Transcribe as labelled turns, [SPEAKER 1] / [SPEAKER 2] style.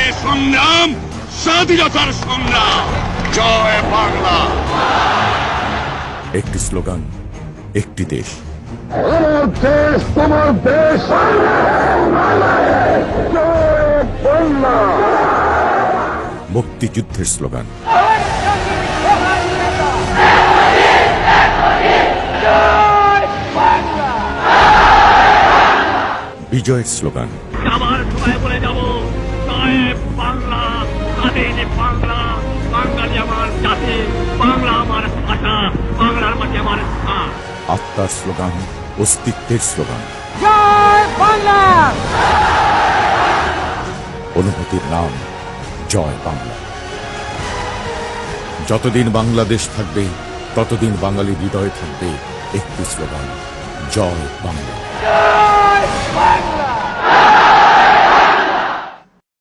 [SPEAKER 1] সংগ্রাম স্বাধীনতার সংগ্রাম। জয় বাংলা।
[SPEAKER 2] একটি স্লোগান, একটি দেশ।
[SPEAKER 1] আমার দেশ তোমার দেশ, জয় বাংলা।
[SPEAKER 2] মুক্তিযুদ্ধের স্লোগান, বিজয়ের স্লোগান,
[SPEAKER 3] আবার সবাই বলে যাব জয় বাংলা, স্বাধীন বাংলা, বাঙালি আমার জাতি, বাংলা আমার ভাষা, বাংলার মাটি আমার স্থান।
[SPEAKER 2] আত্মার স্লোগান, অস্তিত্বের স্লোগান,
[SPEAKER 4] জয় বাংলা।
[SPEAKER 2] অনুভূতির নাম জয় বাংলা। যতদিন বাংলাদেশ থাকবে ততদিন বাঙালির হৃদয়ে থাকবে একটি স্লোগান, জয় বাংলা।
[SPEAKER 4] জয় বাংলা।